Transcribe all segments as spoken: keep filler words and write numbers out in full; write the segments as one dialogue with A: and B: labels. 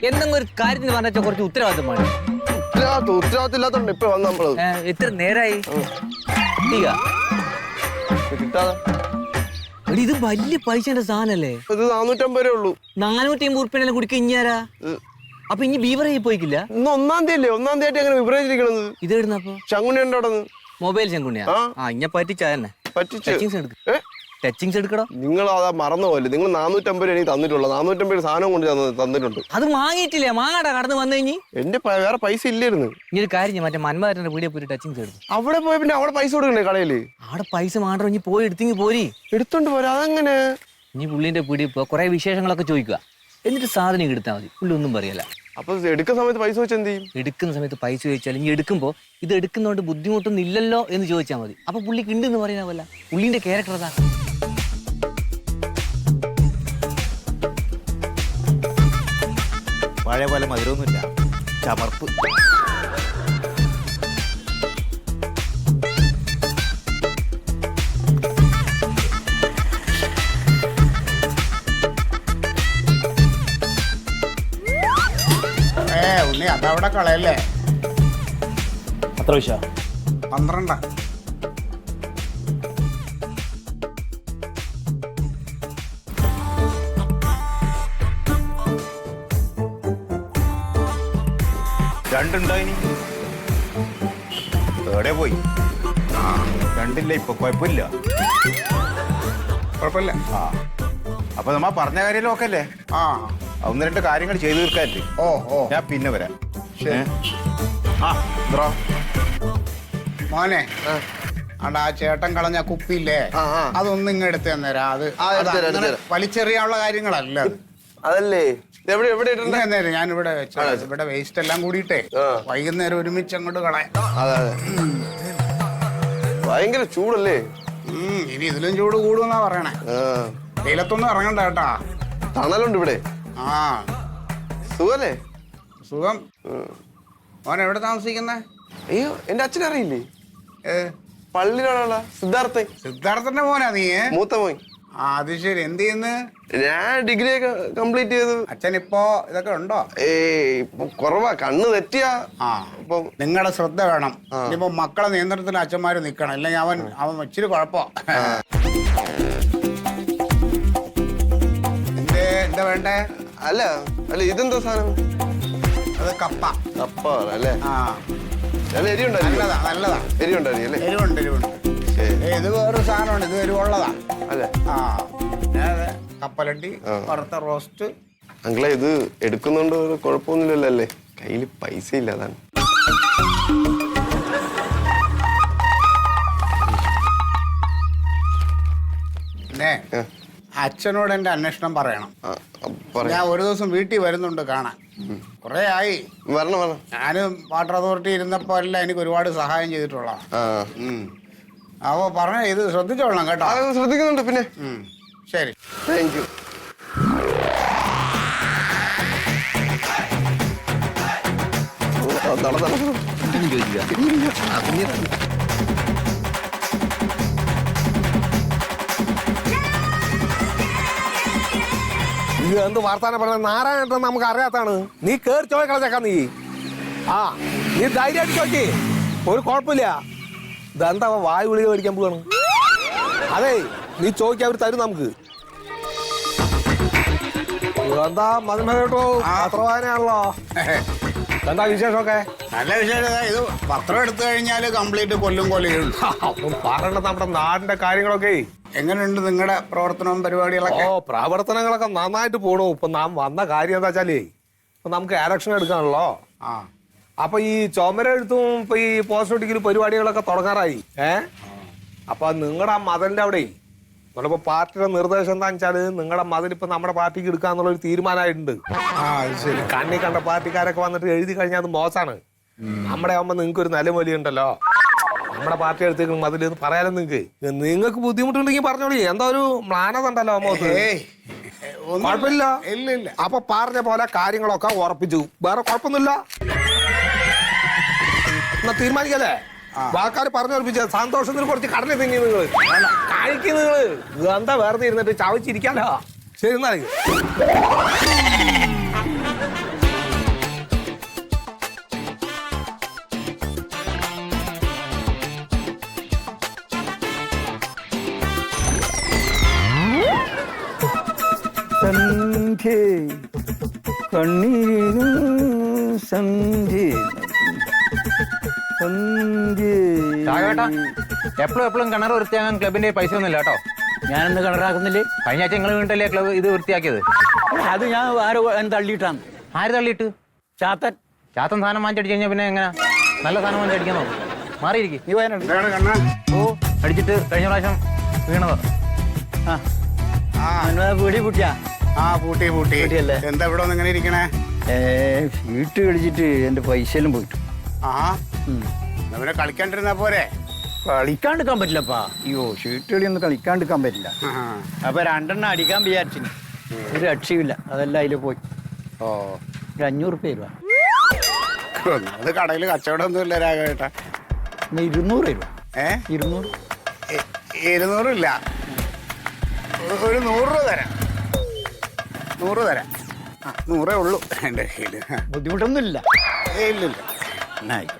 A: എന്തെങ്കിലും ഒരു കാര്യത്തിന് പറഞ്ഞാൽ കുറച്ച് ഉത്തരവാദിത്തം വേണം.
B: ഉത്തരവാദിത്തം ഉത്തരവാദിത്തം ഇല്ലാത്തോണ്ട് ഇപ്പൊ വന്ന നമ്മള്
A: എത്ര നേരായി
B: കിട്ടാതെ.
A: ഇത് വലിയ പൈസന്റെ സാധനല്ലേ?
B: ഇത് നാനൂറ്റമ്പത് രൂപ ഉള്ളൂ.
A: നാനൂറ്റി അമ്പത് ഉറുപ്പിനെല്ലാം കുടിക്കുക ഇഞ്ഞാരാ? അപ്പൊ ഇനി ബീവറേജ് പോയിക്കില്ല?
B: ഇന്ന് ഒന്നാം തീയതി അല്ലേ? ഒന്നാം തീയതി എങ്ങനെ ബീവറേജ് ഇരിക്കണത്?
A: ഇത് ഇടുന്നപ്പോ
B: ശങ്കുണ്ണി ഉണ്ടോ അവിടെ?
A: മൊബൈൽ ശങ്കുണ്ണിയാ? ആ ഇഞ്ഞ പറ്റിച്ചാ തന്നെ ടച്ചിങ്സ് എടുക്കടോ.
B: നിങ്ങൾ അതാ മറന്നു പോലെ. നിങ്ങൾ നാനൂറ്റമ്പത് രൂപ എനിക്ക് തന്നിട്ടുള്ളൂ. നാനൂറ്റമ്പത് രൂപ സാധനം കൊണ്ട് തന്നിട്ടുണ്ട്.
A: അത് വാങ്ങിയിട്ടില്ലേ? മാങ്ങാടാ കടന്ന് വന്നു കഴിഞ്ഞ്
B: എന്റെ വേറെ പൈസ ഇല്ലായിരുന്നു.
A: ഇനി ഒരു കാര്യം, മറ്റേ മന്മഥന്റെ വീഡിയോ പോയി ടച്ചിങ്സ് എടുത്തു.
B: അവിടെ പോയ പിന്നെ അവിടെ പൈസ കൊടുക്കണ്ടേ കടയില്?
A: അവിടെ പൈസ മാത്രം ഇനി പോയി എടുത്തെങ്കിൽ പോരി.
B: എടുത്തോണ്ട് പോരാ. അതെങ്ങനെ?
A: ഇനി പുള്ളിന്റെ വീഡിയോ ഇപ്പൊ കുറെ വിശേഷങ്ങളൊക്കെ ചോദിക്കുക, എന്നിട്ട് സാധനം എടുത്താൽ മതി. പുള്ളി ഒന്നും പറയല.
B: അപ്പൊ എടുക്കുന്ന സമയത്ത് പൈസ വെച്ച് എന്ത് ചെയ്യും?
A: എടുക്കുന്ന സമയത്ത് പൈസ ചോദിച്ചാൽ ഇനി എടുക്കുമ്പോ ഇത് എടുക്കുന്നതുകൊണ്ട് ബുദ്ധിമുട്ടൊന്നും ഇല്ലല്ലോ എന്ന് ചോദിച്ചാൽ മതി. അപ്പൊ പുള്ളിക്ക് ഉണ്ടെന്ന് പറയാനല്ല. പുള്ളിന്റെ ക്യാരക്ടർ അതാ.
C: പഴയ പോലെ മധുരമൊന്നുമില്ല, ചമർപ്പ്.
D: ഉണ്ണി അതവിടെ കളയല്ലേ?
C: അത്ര വിഷ
D: പന്ത്രണ്ട.
C: രണ്ടുണ്ടായിനി എവിടെ പോയി? ആ രണ്ടില്ല. ഇപ്പൊ കുഴപ്പമില്ല,
D: കുഴപ്പമില്ല.
C: ആ അപ്പൊ നമ്മ പറഞ്ഞ കാര്യം നോക്കല്ലേ?
D: ആ
C: ഒന്ന് രണ്ട് കാര്യങ്ങൾ ചെയ്തു തീർക്കാല്ലേ?
D: ഓ ഓ
C: ഞാൻ പിന്നെ വരാം.
D: ശരി.
C: ആ ബ്രോ
D: മോനെ, അണ്ട ആ ചേട്ടൻ കളഞ്ഞ കുപ്പിയില്ലേ, അതൊന്നും ഇങ്ങ് എടുത്ത് തന്നേരാ. അത് വലിച്ചെറിയാനുള്ള കാര്യങ്ങളല്ല അത്.
B: അതല്ലേ എവിടെ എവിടെ
D: നേരം ഞാൻ ഇവിടെ വെച്ച ഇവിടെ വേസ്റ്റ് എല്ലാം കൂടിയിട്ടേ വൈകുന്നേരം ഒരുമിച്ച് അങ്ങോട്ട് കളയാം.
B: അതെ അതെ. ഭയങ്കര ചൂടല്ലേ?
D: ഉം ഇനി ഇതിലും ചൂട് കൂടുമെന്നാ പറയണേ. വെയിലത്തൊന്നും ഇറങ്ങണ്ട കേട്ടാ.
B: തണലുണ്ട് ഇവിടെ.
D: ആ
B: സുഖല്ലേ?
D: സുഖം. മോൻ എവിടെ താമസിക്കുന്നേ?
B: അയ്യോ എന്റെ അച്ഛൻ അറിയില്ലേ?
D: ഏ
B: പള്ളിയിലുള്ള സിദ്ധാർത്ഥൻ.
D: സിദ്ധാർത്ഥന്റെ മോനാ നീ?
B: മൂത്ത മോൻ.
D: ആ അത് ശരി. എന്ത് ചെയ്യുന്നു?
B: ഞാൻ ഡിഗ്രി ഒക്കെ കംപ്ലീറ്റ് ചെയ്തു.
D: അച്ഛൻ ഇപ്പോ ഇതൊക്കെ ഉണ്ടോ?
B: ഏയ് ഇപ്പൊ കുറവാ. കണ്ണ് തെറ്റിയാ.
D: ആ
B: ഇപ്പം
D: നിങ്ങളുടെ ശ്രദ്ധ വേണം. ഇനിയിപ്പോ മക്കളെ നിയന്ത്രണത്തിൽ അച്ഛന്മാര് നിക്കണം, അല്ലെങ്കിൽ അവൻ അവൻ ഇച്ചിരി കുഴപ്പോ. എന്തേ എന്താ വേണ്ടേ?
B: അല്ല അല്ല ഇതെന്താ സാധനം?
D: അത് കപ്പ.
B: കപ്പ അല്ലേ?
D: ആ
B: നല്ല എരിയുണ്ടോ?
D: നല്ലതാ നല്ലതാ.
B: എരിയുണ്ടായി അല്ലേ?
D: എരിവുണ്ട് എരിവുണ്ട്. ഇത് വേറൊരു സാധനമാണ്. ഇത് എരിവുള്ളതാ
B: അല്ലേ?
D: ആ കപ്പലണ്ടി, വറുത്ത റോസ്റ്റ്.
B: അങ്കിളെ ഇത് എടുക്കുന്നോണ്ട് ഒരു കുഴപ്പമൊന്നുമില്ലല്ലോ അല്ലേ? കയ്യിൽ പൈസ ഇല്ല, അതാണ്.
D: പിന്നെ അച്ഛനോട് എന്റെ അന്വേഷണം പറയണം. ഞാൻ ഒരു ദിവസം വീട്ടിൽ വരുന്നുണ്ട് കാണാൻ. കൊറേ ആയി
B: വരണം വരണം.
D: ഞാനും വാട്ടർ അതോറിറ്റി ഇരുന്നപ്പോ എല്ലാം എനിക്ക് ഒരുപാട് സഹായം ചെയ്തിട്ടുള്ള. അപ്പോ പറഞ്ഞ ഇത് ശ്രദ്ധിച്ചോളണം കേട്ടോ.
B: ശ്രദ്ധിക്കുന്നുണ്ട്. പിന്നെ
D: ശരി,
B: താങ്ക് യു.
E: ഇത് എന്ത് വാർത്താനം പറഞ്ഞ നാരായണ നമുക്ക് അറിയാത്താണ്. നീ കേറി ചോദിക്കളച്ചേക്കാ. നീ ആ നീ ധൈര്യമായിട്ട് ചോദിക്കേ, ഒരു കുഴപ്പമില്ല. ഇതെന്താ വായു ഗുളിക മേടിക്കാൻ പോവാണ്? അതെ നീ ചോദിക്കാൻ അവർ തരും നമുക്ക്. എന്താ മതിമ കേട്ടോ, പത്ര വായനയാണല്ലോ. എന്താ വിശേഷമൊക്കെ?
D: നല്ല വിശേഷം. ഇത് പത്രം എടുത്തു കഴിഞ്ഞാല് കംപ്ലീറ്റ് കൊല്ലും കൊല്ലുകയുള്ളൂ.
E: പറയണ്ട നമ്മുടെ നാടിന്റെ കാര്യങ്ങളൊക്കെ.
D: എങ്ങനെയുണ്ട് നിങ്ങളുടെ പ്രവർത്തനവും പരിപാടികളൊക്കെ?
E: ഓ പ്രവർത്തനങ്ങളൊക്കെ നന്നായിട്ട് പോണു. ഇപ്പൊ നാം വന്ന കാര്യം എന്താ വെച്ചാലേ, ഇപ്പൊ നമുക്ക് ഇലക്ഷൻ എടുക്കാണല്ലോ.
D: ആ
E: അപ്പൊ ഈ ചുമര എഴുത്തും ഇപ്പൊ ഈ പോസ്റ്റർ ഒട്ടിക്കലും പരിപാടികളൊക്കെ തുടങ്ങാറായി. ഏ അപ്പൊ നിങ്ങളുടെ ആ മതിലിന്റെ അവിടെ നമ്മളിപ്പോ പാർട്ടിയുടെ നിർദ്ദേശം എന്താ വെച്ചാല്, നിങ്ങളുടെ മതിൽ ഇപ്പൊ നമ്മുടെ പാർട്ടിക്ക് എടുക്കാന്നുള്ള ഒരു തീരുമാനമായിട്ടുണ്ട്.
D: ആ അത് ശരി.
E: കണ്ണി കണ്ട പാർട്ടിക്കാരൊക്കെ വന്നിട്ട് എഴുതി കഴിഞ്ഞാൽ അത് മോശമാണ്. നമ്മുടെ ആവുമ്പോ നിങ്ങൾക്ക് ഒരു നിലമൊലി ഉണ്ടല്ലോ, നമ്മുടെ പാർട്ടി എടുത്തേക്ക് മതിൽ എന്ന് പറയാലോ. നിങ്ങൾക്ക് നിങ്ങൾക്ക് ബുദ്ധിമുട്ടുണ്ടെങ്കിൽ പറഞ്ഞോളി. എന്താ ഒരു മ്ലാനത ഉണ്ടല്ലോ അമ്മക്ക്.
D: കുഴപ്പമില്ല. ഇല്ല ഇല്ല.
E: അപ്പൊ പറഞ്ഞ പോലെ കാര്യങ്ങളൊക്കെ ഉറപ്പിച്ചു. വേറെ കുഴപ്പമൊന്നുമില്ല. എന്നാ തീരുമാനിക്കല്ലേ? ആൾക്കാർ പറഞ്ഞു ഉറപ്പിച്ച സന്തോഷത്തിന് കുറച്ച് കടല തിങ്ങി നിങ്ങള് കഴിക്കും. നിങ്ങള് എന്താ വേറെ ഇരുന്നിട്ട് ചവച്ചിരിക്കാലോ. ശരി എന്നാ
F: കണ്ണീരിനും സന്ധ്യ സന്ധ്യ
C: രാഘവേട്ടാ എപ്പോഴും എപ്പോഴും കിണർ വൃത്തിയാകാൻ ക്ലബിന്റെ പൈസ ഒന്നുമില്ല കേട്ടോ.
F: ഞാനെന്ത് കളറാക്കുന്നില്ലേ?
C: കഴിഞ്ഞ ആഴ്ച നിങ്ങൾ വീണ്ടല്ലേ ക്ലബ് ഇത് വൃത്തിയാക്കിയത്?
F: അത് ഞാൻ ആരോ തള്ളിയിട്ടാണ്.
C: ആര് തള്ളിയിട്ട്?
F: ചാത്തൻ.
C: ചാത്തൻ സാധനം വാങ്ങിച്ചടിച്ച് കഴിഞ്ഞാൽ പിന്നെ എങ്ങനെ നല്ല സാധനം വാങ്ങിച്ചടിക്കാൻ നോക്കും? മാറിയിരിക്കും.
F: നീ വയനാട്
D: എന്താണ് കണ്ണാ?
C: ഓ അടിച്ചിട്ട് കഴിഞ്ഞ പ്രാവശ്യം വീണതോ?
F: ആ
D: ആ
F: വീടി പൂട്ടിയാ?
D: ആ പൂട്ടി പൂട്ടി.
F: പൂട്ടിയല്ലേ?
D: എന്താ ഇവിടെ ഒന്ന് ഇങ്ങനെ ഇരിക്കണേ?
F: ഏ വീട്ട് കളിച്ചിട്ട് എന്റെ പൈസയെല്ലാം പോയിട്ടു.
D: ആ പിന്നെ കളിക്കാണ്ടിരുന്നാ പോരെ?
F: കളിക്കാണ്ടിരിക്കാൻ പറ്റില്ലപ്പാ. അയ്യോ ഷീട്ട് കളി ഒന്നും കളിക്കാണ്ടിരിക്കാൻ പറ്റില്ല.
D: ആ.
F: അപ്പൊ രണ്ടെണ്ണം അടിക്കാൻ വിചാരിച്ചു, ഒരു രക്ഷയില്ല. അതെല്ലാം അതിൽ പോയി.
D: ഓ
F: ഒരു അഞ്ഞൂറ് രൂപ രൂപ
D: അത് കടയിൽ കച്ചവടം ഒന്നും ഇല്ല രാഘവേട്ടാ.
F: എന്നാ ഇരുന്നൂറ് രൂപ.
D: ഏ
F: ഇരുന്നൂറ്
D: ഇ- ഇരുന്നൂറില്ല, ഒ- ഒരു നൂറ് രൂപ തരാം. നൂറ് തരാം. ആ നൂറേ ഉള്ളൂ എൻ്റെ കയ്യിൽ.
F: ബുദ്ധിമുട്ടൊന്നും ഇല്ല.
D: ഏ ഇല്ലില്ല.
F: എന്നാ ആയിക്കോട്ടെ.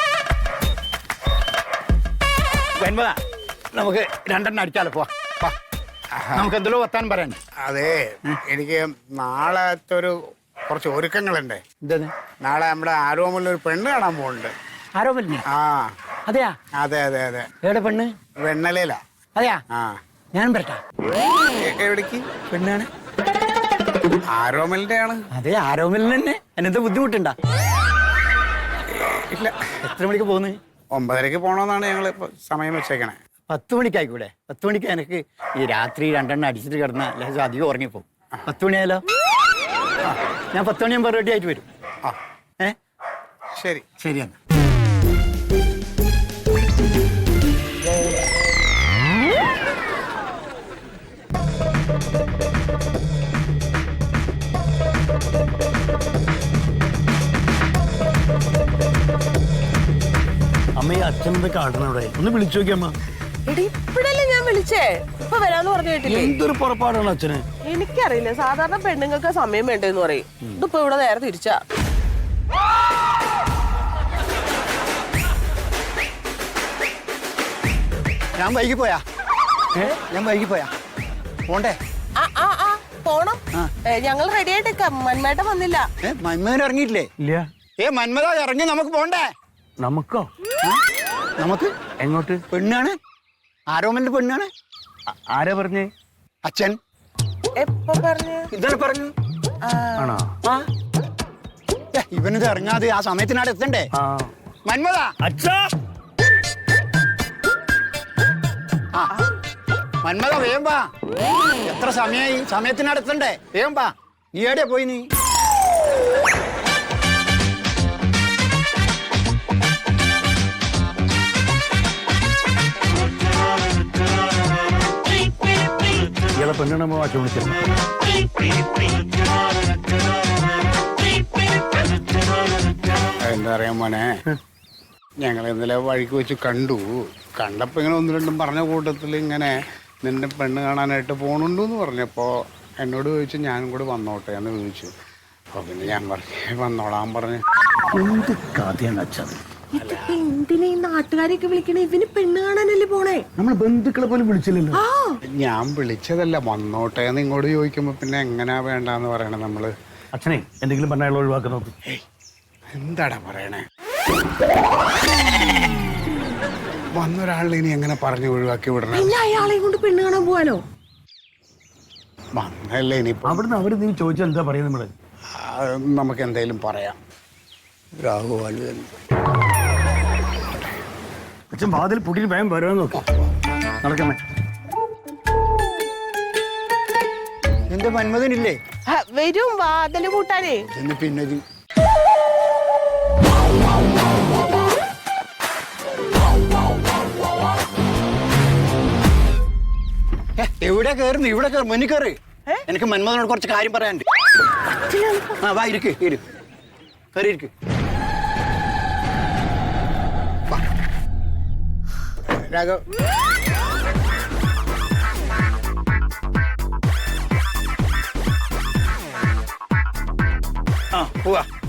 F: വെൻപതാ നമുക്ക് രണ്ടെണ്ണം അടിച്ചാലോ? പോവാ വാ. നമുക്ക് എന്തെല്ലോ വർത്താനം പറയാൻ.
D: അതെ, എനിക്ക് നാളത്തെ ഒരു കുറച്ച് ഒരുക്കങ്ങളുണ്ട്.
F: എന്താണ്?
D: നാളെ നമ്മുടെ ആരോമിൽ ഒരു പെണ്ണ് കാണാൻ പോകുന്നുണ്ട്.
F: ആരോ പറ്റില്ല?
D: ആ
F: അതെയാ?
D: അതെ അതെ അതെ.
F: എവിടെ പെണ്ണ്?
D: വെണ്ണലയിലാ.
F: അതെയാ?
D: ആ
F: ഞാൻ വരട്ടാ.
D: എ- എവിടേക്ക്?
F: പെണ്ണാണ്.
D: ആരോമലിന്റെ ആണ്.
F: അതെ ആരോമിൽ തന്നെ. എന്നെന്താ ബുദ്ധിമുട്ടുണ്ടാ?
D: ഇല്ല,
F: എത്ര മണിക്ക് പോകുന്നത്?
D: ഒമ്പതരക്ക് പോണോന്നാണ് ഞങ്ങൾ സമയം വെച്ചേക്കണേ.
F: പത്ത് മണിക്കായിക്കൂടെ? പത്ത് മണിക്ക് എനിക്ക് ഈ രാത്രി രണ്ടെണ്ണം അടിച്ചിട്ട് കിടന്ന അല്ലെങ്കിൽ അധികം ഉറങ്ങിപ്പോവും. പത്ത് മണിയായാലോ? ആ ഞാൻ പത്ത് മണിയാകുമ്പോൾ റെഡി ആയിട്ട് വരും.
D: ആ
F: ഏ
D: ശരി.
F: ശരിയാണ്.
G: അമ്മ ഈ അച്ഛനത് കാട്ടണം അവിടെ ഒന്ന് വിളിച്ചു നോക്കിയമ്മ.
H: എടി ഇപ്പഴല്ലേ ഞാൻ വിളിച്ചേ, ഇപ്പൊ വരാന്ന് പറഞ്ഞു കേട്ടില്ലേ?
G: എന്തൊരു പുറപ്പാടാണ് അച്ഛന്.
H: എനിക്കറിയില്ല, സാധാരണ പെണ്ണുങ്ങൾക്ക് സമയം വേണ്ടെന്ന് പറയും. ഇതിപ്പോ ഇവിടെ നേരെ തിരിച്ചാ.
F: ഞാൻ വൈകി പോയാ? ഞാൻ വൈകി പോയാ? പോണ്ടേ?
H: ആ ആ ആ പോണം. ഏ, ഞങ്ങൾ റെഡി ആയിട്ടേക്കാം. മന്മേട്ടൻ വന്നില്ല.
F: ഏ മന്മഥൻ ഇറങ്ങിയിട്ടില്ലേ?
G: ഇല്ല.
F: ഏ മന്മഥ ഇറങ്ങി, നമുക്ക് പോണ്ടേ?
G: നമുക്കോ?
F: നമുക്ക്
G: എങ്ങോട്ട്?
F: പെണ്ണാണ്, ആരോമലിന്റെ പെണ്ണാണ്.
G: ആരാ പറഞ്ഞേ?
F: അച്ഛൻ
H: എപ്പോ പറഞ്ഞു?
F: ഇതാണ് പറഞ്ഞു.
G: ആണോ?
F: ആ ഏ, ഇവനിത് ഇറങ്ങാതെ ആ സമയത്തിനാട് എത്തണ്ടേ?
G: ആ
F: മന്മഥ
G: അച്ഛാ.
F: ആ മന്മഥ വേഗം വാ. എത്ര സമയായി? സമയത്തിനാട് എത്തണ്ടേ? വേഗം വാ. നീ എവിടെയാ പോയി? നീ
G: ഇയാളെ പെണ്ണുണമ്മ വാച്ച് വിളിച്ചിരുന്നു.
D: എന്താ പറയാ മോനെ, ഞങ്ങൾ ഇന്നലെ വഴിക്ക് വെച്ച് കണ്ടു. കണ്ടപ്പോ ഇങ്ങനെ ഒന്ന് രണ്ടും പറഞ്ഞ കൂട്ടത്തിൽ ഇങ്ങനെ നിന്റെ പെണ്ണ് കാണാനായിട്ട് പോണുണ്ടെന്ന് പറഞ്ഞപ്പോ എന്നോട് ചോദിച്ചു ഞാനും കൂടി വന്നോട്ടെ എന്ന് ചോദിച്ചു. അപ്പൊ പിന്നെ ഞാൻ പറഞ്ഞു വന്നോളാൻ പറഞ്ഞു.
G: എന്ത് കഥയാണ് അച്ഛൻ.
H: ഇതിപ്പോ എന്തിനാ ഈ നാട്ടുകാരെയൊക്കെ വിളിക്കണേ? ഇവന് പെണ്ണ് കാണാനല്ലേ പോണേ?
G: നമ്മളെ ബന്ധുക്കളെ പോലും വിളിച്ചില്ലല്ലോ.
H: ആ
D: ഞാൻ വിളിച്ചതല്ല, വന്നോട്ടെ എന്ന് ഇങ്ങോട്ട് ചോദിക്കുമ്പോ പിന്നെ എങ്ങനെയാ വേണ്ടെന്ന് പറയണേ നമ്മള്.
G: അച്ഛനെ എന്തെങ്കിലും പറഞ്ഞാൽ ഒഴിവാക്കി നോക്ക്.
D: എന്താടാ പറയണേ? വന്നൊരാളിനെ ഇനി എങ്ങനെ പറഞ്ഞു ഒഴിവാക്കി വിടണം?
H: പിന്നെ അയാളെയും കൊണ്ട് പെണ്ണ് കാണാൻ പോവാനോ?
D: വന്നല്ലേ ഇനിയിപ്പോ.
G: അവിടുന്ന് അവര് നീ ചോദിച്ചാൽ എന്താ പറയുക? നമ്മള്
D: ആ, നമുക്ക് എന്തായാലും പറയാം. രാഘവാലു
G: അച്ഛൻ വാതിൽ പൊട്ടിട്ട് ഭയം വരാൻ നോക്കി നടക്കണേ.
F: എന്റെ മന്മഥനില്ലേ?
H: ആ, വരും വാതില് കൂട്ടാനേ.
F: എന്ന് പിന്നെ ഇത് ഏ, എവിടെ കയറുന്നു? ഇവിടെ കയറി, മുന്നിൽ കയറി. എനിക്ക് മന്മഥനോട് കുറച്ച് കാര്യം പറയാനുണ്ട്. ആ വാ, ഇരിക്ക് ഇരു കയറി ഇരിക്ക്.
D: രാഘവ്
F: ആ പോവാ.